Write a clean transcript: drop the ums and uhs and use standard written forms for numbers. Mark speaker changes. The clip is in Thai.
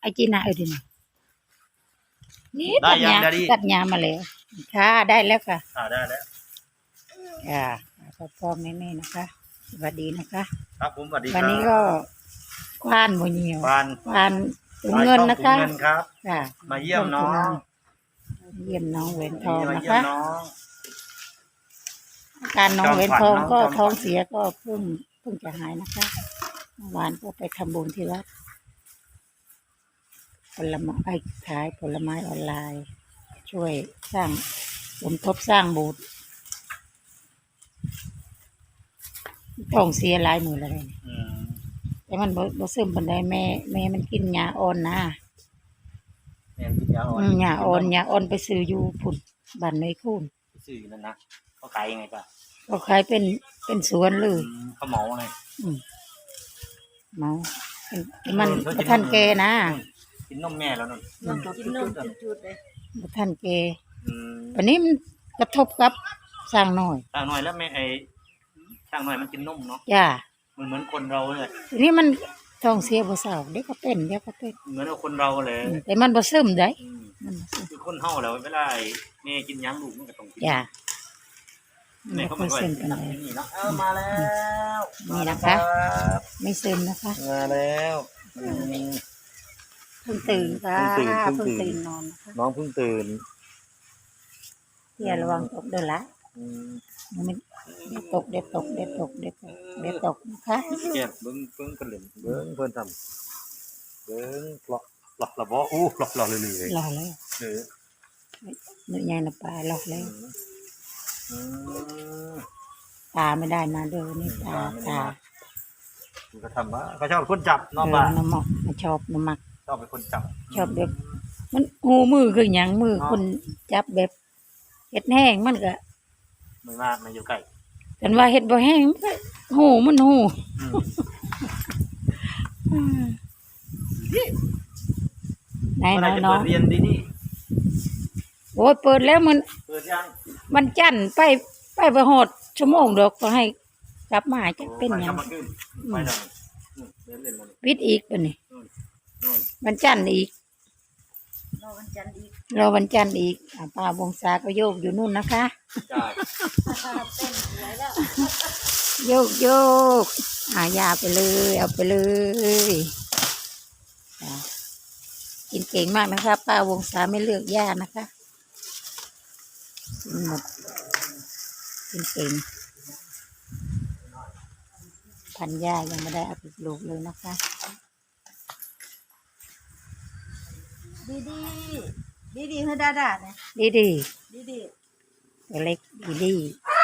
Speaker 1: จีน่าดินะนี่
Speaker 2: ได้ยังได้ดิ
Speaker 1: ตัดหญ้ามาแล้วค่ะได้แล้วค่ะ
Speaker 2: ได้แล้ว
Speaker 1: ค่ะพ่อแม่นะคะสวัสดีนะคะ
Speaker 2: ครับผมสวัสดีครับ
Speaker 1: วันนี้ก็ควานโมเนียว
Speaker 2: ควาน
Speaker 1: ถุงเงินนะคะ
Speaker 2: เงินครับ
Speaker 1: ค่ะ
Speaker 2: มาเยี่ยมน้อง
Speaker 1: เยี่ยมน้องเวนทองนะคะ
Speaker 2: น้อง
Speaker 1: การน้องเวนทองก็ท้องเสียก็เพิ่งจะหายนะคะเมื่อวานก็ไปทำบุญที่วัดผลไม้ขายผลไม้ออนไลน์ ช่วยสร้างสมทบสร้างโบสถ์ท้องเสียหลายมือเลยแต่มันบ่ซึมปันใดแม่มันกินยาอ่อนนะยาอ่อนไปซื้ออยู่พุ่นบ้านในคูน
Speaker 2: ซื้อนั่นนะเขาขายยังไงป่ะ
Speaker 1: เขาขายเป็นสวนเลย
Speaker 2: เขาเหมาไง
Speaker 1: เมามันท่านแกนะ
Speaker 2: กินนมแม่แล้วนั่น
Speaker 1: กินนมจุดเลยท่านแกวันนี้มันกระทบกับสร้างน้อย
Speaker 2: แล้วแม่สร้างน้อยมันกินนมเนาะ
Speaker 1: จ้า
Speaker 2: เหมือนคนเราเลย
Speaker 1: ทีนี้มันท้องเสียบ่เศร้าเด็กก็เป็น
Speaker 2: เหมือนคนเราเลย
Speaker 1: แต่มันบ่ซึมได้
Speaker 2: คือคนเฮาแล้วเวลาแม่กินยังลูกมันก็ต้องกิน
Speaker 1: จ้า
Speaker 2: แม่เขาไม่ไหวนี่เนาะมาแล้ว
Speaker 1: นี่นะคะไม่ซึมนะคะ
Speaker 2: มาแล้ว
Speaker 1: เพิ่งตื่นค่ะเพิ่งตื่นนอนนะคะ
Speaker 2: น้องเพิ่งตื่น
Speaker 1: อย่าระวังตกเด้อละมันเด็ดตกนะคะ
Speaker 2: แกเบิ้งกันเลยเบิ้งเพิ่นทำเบิ้งหลอกบ่อู้หลอกเลย
Speaker 1: หลอกเลยเนื้อใหญ่นะปลาหลอกเลยตาไม่ได้มาเด้อนี่ตา
Speaker 2: ก็ทำว่าเขาชอบคนจับน้องบ้า
Speaker 1: น้ำหมอกชอบน้ำหมัก
Speaker 2: ชอบเป็นคนจับ
Speaker 1: ชอบแบบมันหูมือคือหยังมือคนจับแบบเห็ดแห้งมันก็
Speaker 2: ไม่มากไม่อยู่ใกล้
Speaker 1: กันว่าเห็ดบ่แห้งหูมันหูไหนน้อง
Speaker 2: เรียนดี
Speaker 1: โอ้ยเปิดแล้วมัน
Speaker 2: เปิดยัง
Speaker 1: มันจันไปหอดชั่วโมงดอกก็ให้กลับมาจะเป็นยังวิทย์อีกป่ะนี่วันจันทร์อีกรอวันจันทร์อีกป้าวงศาก็โยกอยู่นู่นนะคะโยกยาไปเลยเอาไปเลยกินเก่งมากนะคะป้าวงศาไม่เลือกยานะคะกินหมดกินเก่งพันยายังไม่ได้เอาไปปลูกเลยนะคะดีเฮ้ดาเนี่ยดีตัวเล็กดี